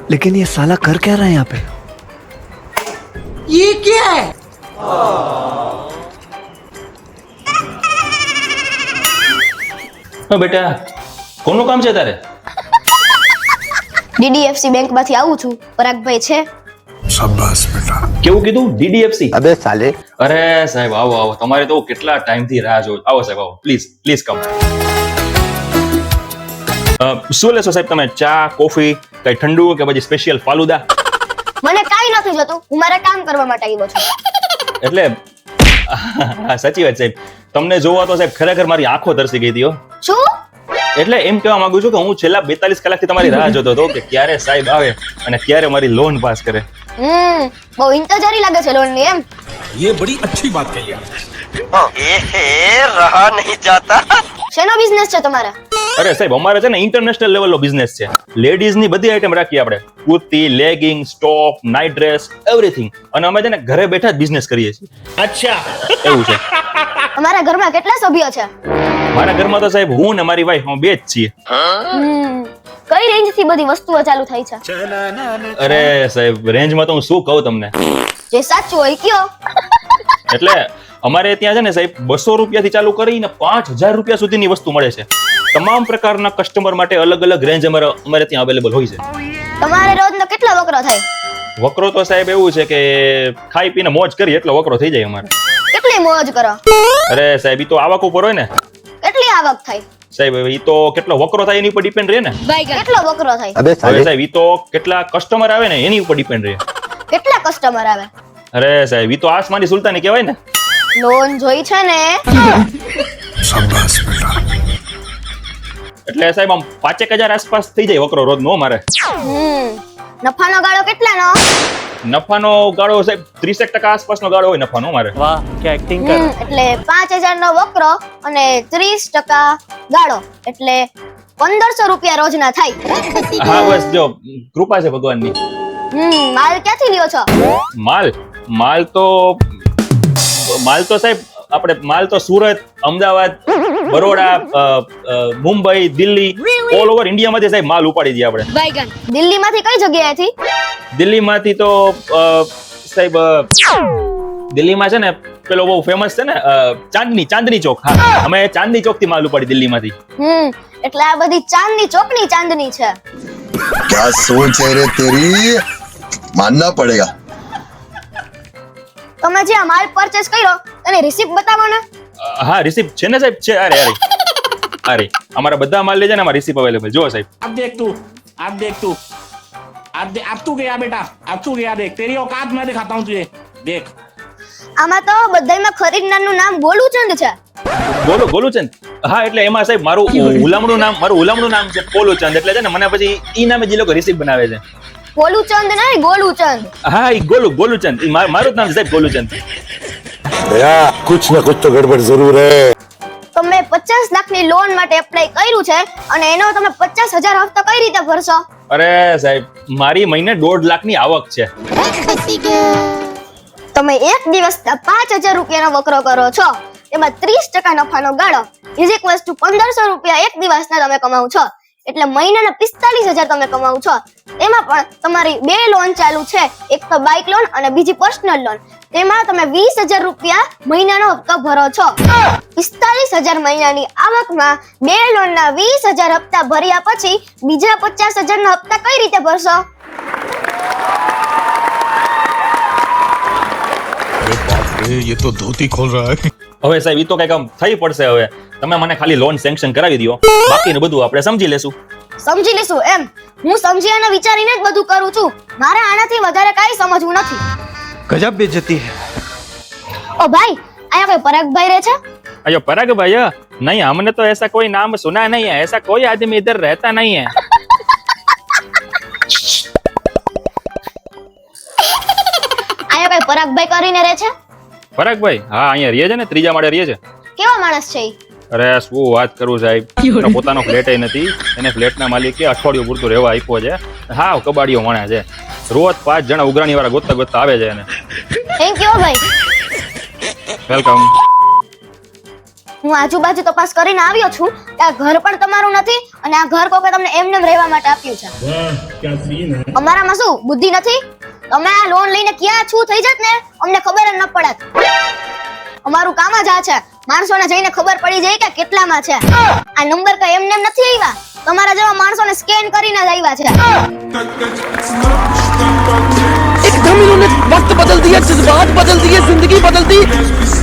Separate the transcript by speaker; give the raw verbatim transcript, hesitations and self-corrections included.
Speaker 1: लेकिन ये साला कर क्या रहा है यहाँ पे?
Speaker 2: ये क्या है?
Speaker 3: હા બેટા, કોનું કામ છે તારે?
Speaker 4: ડીડીએફસી બેંક માંથી આવું છું. પરાગભાઈ છે?
Speaker 1: शाबाश बेटा.
Speaker 3: કેવું કીધું? ડીડીએફસી?
Speaker 5: अबे साले.
Speaker 3: અરે સાહેબ આવો આવો, તમારે તો કેટલા ટાઈમ થી રાહ જોઉં. આવો સાહેબ આવો, પ્લીઝ પ્લીઝ કમ. શું લેશો સાહેબ તમે? ચા, કોફી, કઈ ઠંડુ કે પછી સ્પેશિયલ ફાલુદા?
Speaker 4: મને કાઈ નથી જોતું, હું મારા કામ કરવા માટે આવ્યો છું.
Speaker 3: એટલે હા સાચી વાત સાહેબ, તમને જોવા તો સાહેબ ખરેખર મારી આંખો તરસી ગઈ હતી હો.
Speaker 4: શું?
Speaker 3: એટલે એમ કહેવા માંગુ છું કે હું છેલ્લા બેતાલીસ કલાકથી તમારી રાહ જોતો હતો કે ક્યારે સાહેબ આવે અને ક્યારે મારી લોન પાસ કરે.
Speaker 4: હમ બહુ ઇંતજારી લાગે છે લોન ની એમ.
Speaker 6: ये बड़ी अच्छी बात कही आपने.
Speaker 5: रहा नहीं जाता.
Speaker 4: શેનો બિઝનેસ છે તમારે?
Speaker 3: અરે સાહેબ અમારે છે ને ઇન્ટરનેશનલ લેવલનો બિઝનેસ છે. લેડીઝ ની બધી આઈટમ રાખીએ આપણે, kurti, legging, top, night dress, everything. અને અમે છે ને ઘરે બેઠા જ બિઝનેસ કરીએ છીએ.
Speaker 6: अच्छा.
Speaker 3: એવું છે.
Speaker 4: તમારા ઘરમાં કેટલા સભ્યો છે?
Speaker 3: મારા ઘરમાં તો સાહેબ હું ને મારી વાઈફ બે જ છીએ.
Speaker 4: હમ કઈ રેન્જ થી બધી વસ્તુઓ ચાલુ થઈ છે?
Speaker 3: અરે સાહેબ રેન્જમાં તો હું શું કહું તમને.
Speaker 4: જે સાચું હોય કયો.
Speaker 3: એટલે અમારે ત્યાં છે ને સાહેબ બસો રૂપિયાથી ચાલુ કરીને પાંચ હજાર રૂપિયા સુધીની વસ્તુ મળે છે. તમામ પ્રકારના કસ્ટમર માટે અલગ અલગ રેન્જ અમારે અમારે ત્યાં અવેલેબલ હોય છે.
Speaker 4: તમારે રોજનો કેટલો વકરો થાય?
Speaker 3: વકરો તો સાહેબ એવું છે કે ખાઈ પીને મોજ કરી એટલો વકરો થઈ જાય અમારે.
Speaker 4: કેટલી મોજ કરો?
Speaker 3: અરે સાહેબ ઈ તો આવક ઉપર હોય ને
Speaker 4: કેટલી આવક થાય?
Speaker 3: સાહેબ ઈ તો કેટલો વકરો થાય એની ઉપર ડિપેન્ડ રહે ને.
Speaker 4: કેટલો વકરો થાય?
Speaker 5: अबे
Speaker 3: હવે
Speaker 5: साले.
Speaker 3: સાહેબ ઈ તો કેટલા કસ્ટમર આવે ને એની ઉપર ડિપેન્ડ રહે.
Speaker 4: કેટલા કસ્ટમર આવે?
Speaker 3: અરે સાહેબ ઈ તો આસમાની સુલતાની કહેવાય ને.
Speaker 4: લોન જોઈ છે ને?
Speaker 1: शाबाश बेटा.
Speaker 3: એટલે સાહેબ આમ પાંચેક હજાર આસપાસ થઈ જાય વકરો રોજ નો મારે.
Speaker 4: હમ નફાનો ગાળો કેટલાનો?
Speaker 3: નફાનો ગાળો સાહેબ ત્રીસેક ટકા આસપાસનો ગાળો હોય નફાનો મારે.
Speaker 4: હમ એટલે પાંચ હજાર નો વકરો અને ત્રીસ ટકા ગાળો એટલે પંદરસો રૂપિયા રોજના થાય.
Speaker 3: હા બસ જો કૃપા છે ભગવાનની.
Speaker 4: હમ માલ ક્યાંથી લ્યો છો?
Speaker 3: માલ માલ તો માલ તો સાહેબ આપણે માલ તો સુરત, અમદાવાદ, બરોડા, અ, અ, મુંબઈ, દિલ્હી, ઓલ ઓવર ઇન્ડિયામાંથી સાહેબ માલ ઉપાડી દઈએ આપણે.
Speaker 4: દિલ્હી માંથી કઈ જગ્યાએથી?
Speaker 3: દિલ્હીમાંથી તો અ, સાહેબ અ, દિલ્હીમાં છે ને પેલો બહુ ફેમસ છે ને અ, ચાંદની ચાંદની ચોક. હા અમે ચાંદની ચોક થી માલ ઉપાડી દિલ્હીમાંથી.
Speaker 4: હમ એટલે આ બધી ચાંદની ચોકની ચાંદની છે.
Speaker 7: क्या सोच है रे तेरी, मानना पड़ेगा.
Speaker 4: તમે જે આ માલ પરચેસ કર્યો એની રિસિપ્ટ બતાવો ને.
Speaker 3: અ, હા રિસિપ્ટ છે ને સાહેબ છે. અરે અરે અરે અમારા બધા માલ લઈ જાય ને અમારી રિસિપ્ટ અવેલેબલ. જો સાહેબ
Speaker 6: अब देख तू, अब देख तू, अब दे, अब तू गया बेटा, अब तू गया. देख तेरी औकात मैं दिखाता हूँ तुझे. देख.
Speaker 4: આમાં તો બધાયમાં ખરીદનારનું નામ ગોલુચંદ છે.
Speaker 3: બોલો ગોલુચંદ. હા એટલે એમાં સાહેબ મારું હુલામણું નામ મારું હુલામણું નામ છે પોલુચંદ. એટલે છે ને મને પછી ઈ નામે જે લોકો રિસીપ બનાવે છે.
Speaker 4: ગોલુચંદ નહીં ગોલુચંદ.
Speaker 3: હા ઈ ગોલુ ગોલુચંદ. ઈ મારું મારું જ નામ છે સાહેબ ગોલુચંદ.
Speaker 7: भैया कुछ ना कुछ तो गड़बड़ जरूर है.
Speaker 4: તમે પચાસ લાખની લોન માટે એપ્લાય કર્યું છે અને એનો તમે પચાસ હજાર હપ્તો કઈ રીતે ભરશો?
Speaker 3: અરે સાહેબ મારી મહિને દોઢ લાખની આવક છે.
Speaker 4: તમે એક દિવસના પાંચ હજાર રૂપિયાનો વકરો કરો છો, એમાં ત્રીસ ટકા નફાનો ગાળો ઇઝ ઇક્વલ્સ ટુ પંદરસો રૂપિયા એક દિવસના તમે કમાવ છો. એટલે મહિનાના પિસ્તાલીસ હજાર તમે કમાવ છો. એમાં પણ તમારી બે લોન ચાલુ છે, એક તો બાઇક લોન અને બીજી પર્સનલ લોન. તેમાં તમે વીસ હજાર રૂપિયા મહિનાનો હપ્તો ભરો છો. પિસ્તાલીસ હજાર મહિનાની આવકમાં બે લોનના વીસ હજાર હપ્તા ભર્યા પછી બીજા પચાસ હજારના હપ્તા કઈ રીતે ભરશો?
Speaker 6: ये तो धोती खोल रहा है.
Speaker 3: હવે સાહેબ ઈ તો કઈક આમ થઈ પડશે. હવે તમે મને ખાલી લોન સેન્કશન કરાવી દો, બાકીનું બધું આપણે સમજી લેશું.
Speaker 4: સમજી લેશું એમ? હું સમજી અને વિચારીને જ બધું કરું છું. મારે આનાથી વધારે કાંઈ સમજવું નથી.
Speaker 1: गजब बेइज्जती है.
Speaker 4: ઓ ભાઈ, અહીંયા કોઈ પરાગભાઈ રહે છે?
Speaker 3: अयो पराग भाई नहीं, हमने तो ऐसा कोई नाम सुना नहीं है. ऐसा कोई आदमी इधर रहता नहीं है.
Speaker 4: અહીંયા કોઈ પરાગભાઈ કરીને રહે છે?
Speaker 3: પરાગ ભાઈ હા અહીંયા રહે છે ને, ત્રીજા માળે રહે છે.
Speaker 4: કેવા માણસ છે ઈ?
Speaker 3: અરે શું વાત કરું સાહેબ, એનો પોતાનો ફ્લેટ નથી. એને ફ્લેટના માલિકે અઠવાડિયું પૂરતું રહેવા આપ્યો છે. હા કબાડીઓ વણા છે. રોજ પાંચ જણા ઉઘરાણી વાળા ગોતતા ગોતતા આવે છે એને.
Speaker 4: થેન્ક યુ ભાઈ.
Speaker 3: વેલકમ.
Speaker 4: હું આજુબાજુ તપાસ કરીને આવ્યો છું કે આ ઘર પણ તમારું નથી અને આ ઘર કોકે તમને એમને એમ રહેવા માટે આપ્યું છે. અમારામાં શું બુદ્ધિ નથી? તમે આ લોન લઈને ક્યાં છું થઈ જાત ને અમને ખબર જ ન પડત. અમારું કામ જ આ છે, માણસોને જઈને ખબર પડી જાય કે કેટલામાં છે. આ નંબર કઈ એમને એમ નથી આવ્યા, તમારા જેવા માણસોને સ્કેન કરીને જ આવ્યા છે.
Speaker 2: एकदम इन्होंने वक्त बदल दिया, जज्बात बदल दिए, जिंदगी बदल दी.